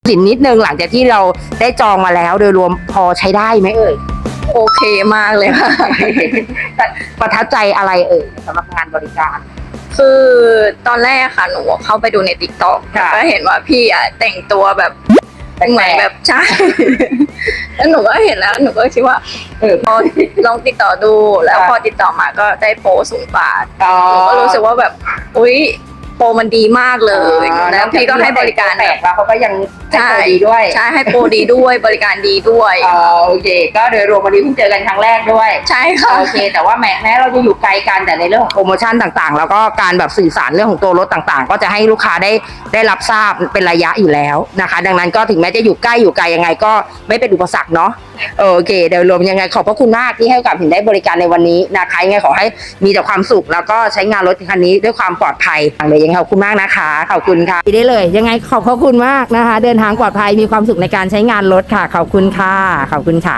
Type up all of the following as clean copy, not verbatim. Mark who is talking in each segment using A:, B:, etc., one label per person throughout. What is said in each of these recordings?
A: สินนิดนึงหลังจากที่เราได้จองมาแล้วโดยรวมพอใช้ได้ไหมเอ่ย
B: โอเคมากเลยค่ะ
A: ประทับใจอะไรเอ่ยสำหรับงานบริการ
B: คือตอนแรกค่ะหนูเข้าไปดูในติ๊กต็อก
A: ค่ะ
B: ก็เห็นว่าพี่อ่ะแต่งตัวแบบเหมือนแบบใช่ แล้วหนูก็เห็นแล้วหนูก็คิดว่าพอลองติดต่อดูแล้วพอติดต่อมาก็ได้โปร0 บาท
A: อ๋อ
B: หนูก็รู้สึกว่าแบบอุ๊ยโปรมันดีมากเลยแล้วพี่ก็ให้บริการ
A: แตกแล้วเขาก็ยังให้โปรดีด้วย
B: ใช่ให้โปรดีด้วยบริการดีด้วย
A: โอเคก็โดยรวมวันนี้เพิ่งเจอกันครั้งแรกด้วย
B: ใช่ค่ะ
A: โอเคแต่ว่าแม้เราจะอยู่ไกลกันแต่ในเรื่องของโปรโมชั่นต่างๆ แล้วก็การแบบสื่อสารเรื่องของตัวรถต่างๆ ก็จะให้ลูกค้าได้รับทราบเป็นระยะอยู่แล้วนะคะ ดังนั้นก็ถึงแม้จะอยู่ใกล้อยู่ไกลยังไงก็ไม่เป็นอุปสรรคเนาะโอเคโดยรวมยังไงขอบพระคุณมากที่ให้โอกาสถึงได้บริการในวันนี้นะคะยังไงขอให้มีแต่ความสุขแล้วก็ใช้งานรถคันนี้ด้วยความปลอดภัยเลยยังไงขอบคุณมากนะคะขอบคุณค่ะได้เลยยังไงขอบพระคุณมากนะคะ เดินทางปลอดภัยมีความสุขในการใช้งานรถค่ะขอบคุณค่ะขอบคุณค่ะ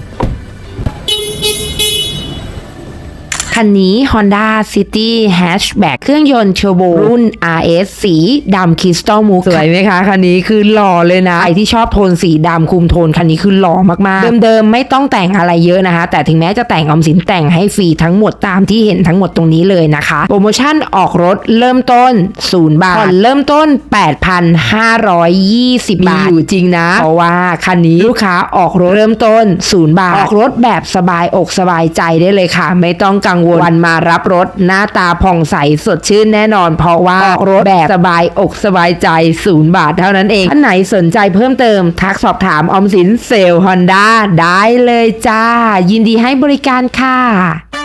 A: คันนี้ Honda City Hatchback เครื่องยนต์เทอร์โบรุ่น RS สีดำคริสตัลมูฟสวยไหมคะ คันนี้คือหล่อเลยนะใครที่ชอบโทนสีดำคุมโทนคันนี้คือหล่อมากๆเดิมๆไม่ต้องแต่งอะไรเยอะนะคะ แต่ถึงแม้จะแต่งออมสินแต่งให้ฟรีทั้งหมดตามที่เห็นทั้งหมดตรงนี้เลยนะคะโปรโมชั่นออกรถเริ่มต้น0 บาทผ่อนเริ่มต้น 8,520 บาทมีอยู่จริงนะเพราะว่าคันนี้ลูกค้าออกรถเริ่มต้น0 บาทออกรถแบบสบายอกสบายใจได้เลยค่ะไม่ต้องกังวลวันมารับรถหน้าตาผ่องใสสดชื่นแน่นอนเพราะว่าออกรถแบบสบายอกสบายใจ0 บาทเท่านั้นเองท่านไหนสนใจเพิ่มเติมทักสอบถามออมสินเซลล์ Honda ได้เลยจ้ายินดีให้บริการค่ะ